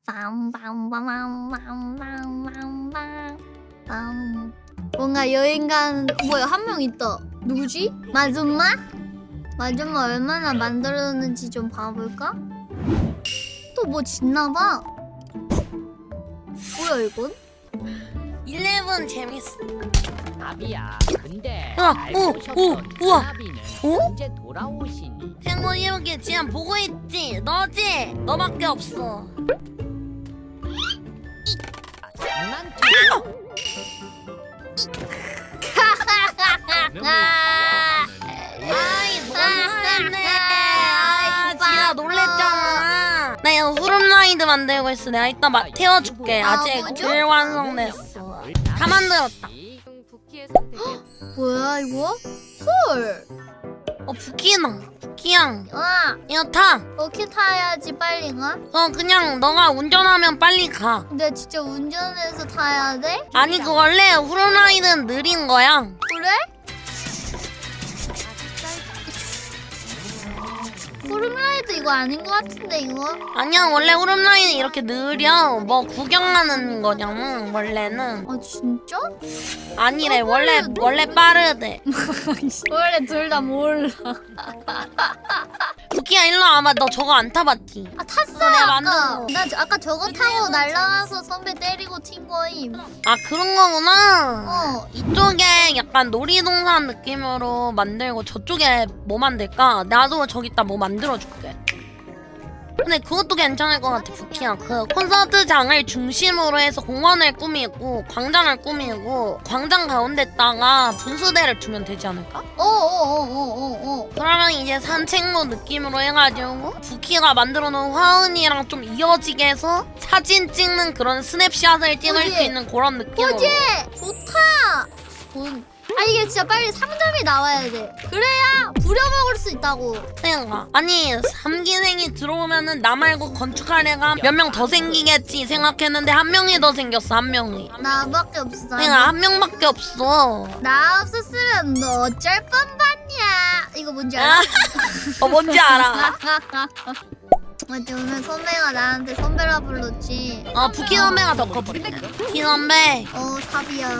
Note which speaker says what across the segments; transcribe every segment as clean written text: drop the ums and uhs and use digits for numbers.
Speaker 1: 뭔가 여행간 뭐야 한 명 있다. 누구지? 마줌마? 마줌마 얼마나 만들었는지 좀 봐볼까? 또 뭐 짓나봐. 뭐야 이건?
Speaker 2: 11 재밌어.
Speaker 3: 나비야. 근데
Speaker 2: 우와,
Speaker 3: 알고
Speaker 2: 오,
Speaker 3: 오셨던
Speaker 2: 우와.
Speaker 3: 나비는
Speaker 2: 어?
Speaker 3: 언제 돌아오시니?
Speaker 2: 펭귄 이렇게 지금 보고 있지? 너지? 너밖에 없어.
Speaker 3: 장난쳐.
Speaker 2: 아이 너무했네. 아 지아 놀랬잖아. 나 이거 후룸라이드 만들고 있어. 내가 이따 태워줄게. 아직
Speaker 1: 뭐죠?
Speaker 2: 불완성됐어. 다 만들었다.
Speaker 4: 부키의 선택은
Speaker 1: 뭐야 이거? 헐.
Speaker 2: 부키양
Speaker 1: 아
Speaker 2: 이거 타.
Speaker 1: 어떻게 타야지 빨리 가?
Speaker 2: 그냥 너가 운전하면 빨리 가.
Speaker 1: 근데 진짜 운전해서 타야 돼?
Speaker 2: 아니 그 원래 후룸라이드는 느린 거야.
Speaker 1: 그래? 후룸라이드 이거 아닌 것 같은데 이거?
Speaker 2: 아니야 원래 후룸라이드 이렇게 느려. 뭐 구경하는 거냐면 원래는.
Speaker 1: 아 진짜?
Speaker 2: 아니래 원래 빠르대.
Speaker 1: 원래 둘 다 몰라.
Speaker 2: 부키야 일로 와봐. 너 저거 안 타봤지?
Speaker 1: 아 탔어
Speaker 2: 내가
Speaker 1: 아까.
Speaker 2: 만든
Speaker 1: 나 아까 저거 타고 날라와서 선배 때리고 튄 거임.
Speaker 2: 아 그런 거구나.
Speaker 1: 어.
Speaker 2: 이쪽에 약간 놀이동산 느낌으로 만들고 저쪽에 뭐 만들까? 나도 저기다 뭐 만들어줄게. 근데 그것도 괜찮을 것 같아 부키야. 그 콘서트장을 중심으로 해서 공원을 꾸미고 광장을 꾸미고 광장 가운데다가 분수대를 두면 되지 않을까?
Speaker 1: 어어어어어어.
Speaker 2: 그러면 이제 산책로 느낌으로 해가지고 부키가 만들어놓은 화은이랑 좀 이어지게 해서 사진 찍는 그런 스냅샷을 찍을
Speaker 1: 그지?
Speaker 2: 수 있는 그런 느낌으로.
Speaker 1: 그지? 좋다. 아 이게 진짜 빨리 상점이 나와야 돼. 그래야 부려먹을 수 있다고.
Speaker 2: 그러니까 아니 3기생이 들어오면은 나 말고 건축할 애가 몇 명 더 생기겠지 생각했는데 한 명이 더 생겼어. 한 명이.
Speaker 1: 나밖에 없어.
Speaker 2: 그러니까 한 명밖에 없어.
Speaker 1: 나 없었으면 너 어쩔 뻔봤냐. 이거 뭔지 알아?
Speaker 2: 뭔지 알아.
Speaker 1: 맞지 오늘 선배가 나한테 선배라 불렀지.
Speaker 2: 부키 선배가 더 커. 부키 선배
Speaker 1: 탑이야.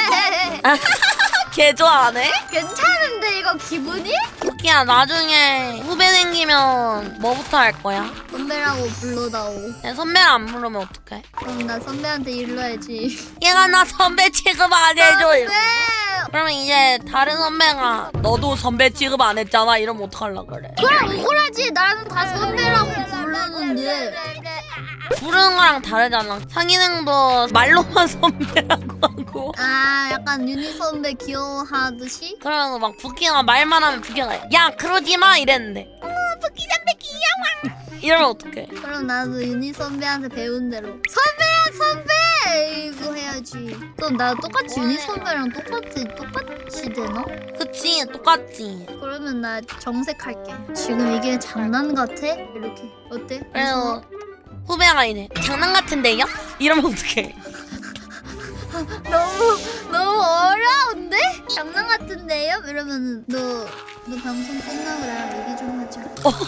Speaker 2: 개 좋아하네.
Speaker 1: 괜찮은데 이거 기분이?
Speaker 2: 부키야 나중에 후배 생기면 뭐부터 할 거야?
Speaker 1: 선배라고 불러다오.
Speaker 2: 내 선배를 안 부르면 어떡해?
Speaker 1: 그럼 나 선배한테 일러야지.
Speaker 2: 얘가 나 선배 취급 안 해줘.
Speaker 1: 네.
Speaker 2: 그러면 이제 다른 선배가 너도 선배 취급 안 했잖아 이러면 어떡하려고 그래?
Speaker 1: 그럼 억울하지. 나는 다 선배라고 부르는데.
Speaker 2: 부르는 거랑 다르잖아. 상인행도 말로만 선배라고 하고.
Speaker 1: 아 약간 유니 선배 귀여워하듯이?
Speaker 2: 그러면 막 부키가 말만 하면 부키가 야 그러지 마 이랬는데 부키 선배 귀여워 이러면 어떡해?
Speaker 1: 그럼 나도 유니 선배한테 배운 대로 선배야 선배! 이거 해야지. 그럼 나 똑같이 유니 선배랑 똑같이 되나?
Speaker 2: 그치 똑같지.
Speaker 1: 그러면 나 정색할게. 지금 이게 장난 같아? 이렇게 어때?
Speaker 2: 그래서 후배가 이래 장난 같은데요? 이러면 어떡해?
Speaker 1: 너무 어려운데? 장난 같은데요? 이러면은 너 방송 끝나고 나랑 얘기 좀 하자.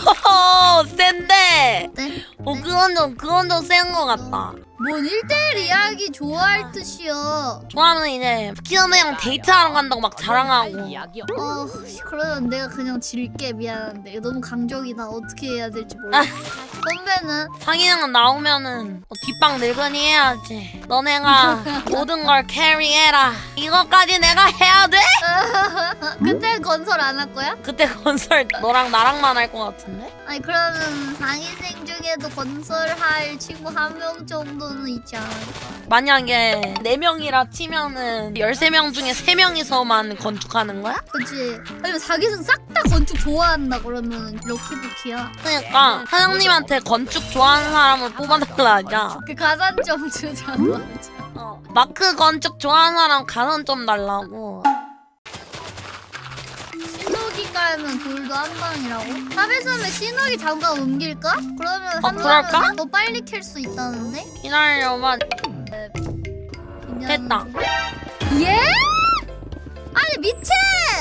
Speaker 2: 센데.
Speaker 1: 네?
Speaker 2: 그건 좀 센 거 같다.
Speaker 1: 뭔 1대1 이야기 좋아할 듯이야.
Speaker 2: 좋아하면 이제 부키 선배랑 데이트하러 간다고 막 자랑하고.
Speaker 3: 이야기요.
Speaker 1: 그러면 내가 그냥 질게. 미안한데 이거 너무 강적이다. 어떻게 해야 될지 몰라. 선배는?
Speaker 2: 상인은 나오면은 뒷방 늙은이 해야지. 너네가 모든 걸 캐리해라. 이것까지 내가 해야 돼?
Speaker 1: 그때 건설 안 할 거야?
Speaker 2: 그때 건설 너랑 나랑만 할 것 같은데?
Speaker 1: 아니 그러면 상위생 중에도 건설할 친구 한 명 정도는 있지 않을까?
Speaker 2: 만약에 4명이라 치면은 13명 중에 3명이서만 건축하는 거야?
Speaker 1: 그치? 아니면 사기생 싹 다 건축 좋아한다 그러면 럭키부키야.
Speaker 2: 그러니까 사장님한테 건축 좋아하는 사람을 뽑아달라 하자.
Speaker 1: 그 가산점 주잖아.
Speaker 2: 마크 건축 좋아하는 사람 가산 좀 달라고.
Speaker 1: 신호기 깔면 돌도 한 방이라고? 탑에서는 신호기 잠깐 옮길까? 그러면 한
Speaker 2: 그럴까?
Speaker 1: 방은 더 빨리 캘 수 있다는데?
Speaker 2: 기다려봐.
Speaker 1: 그냥-
Speaker 2: 됐다.
Speaker 1: 예? 아니 미친!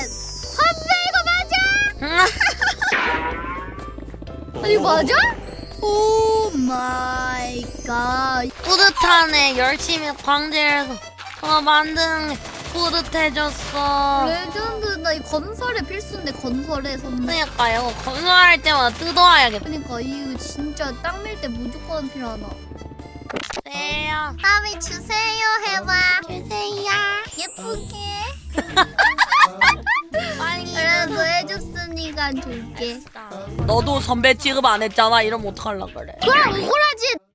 Speaker 1: 선배 이거 맞아? 아니 맞아? 오 마이 갓.
Speaker 2: 뿌듯하네. 열심히 광질해서 만든 게 뿌듯해졌어.
Speaker 1: 레전드다. 이 건설에 필수인데 건설에 선물.
Speaker 2: 그러니까요. 건설할 때마다 뜯어와야겠다.
Speaker 1: 그러니까 이거 진짜 땅 밀 때 무조건 필요하다.
Speaker 2: 세요.
Speaker 1: 다음에 주세요 해봐.
Speaker 2: 주세요.
Speaker 1: 예쁘게.
Speaker 2: 빨리.
Speaker 1: 그래도 해줬으니까 줄게.
Speaker 2: 너도 선배 취급 안 했잖아. 이러면 어떡하려 그래.
Speaker 1: 그럼 억울하지.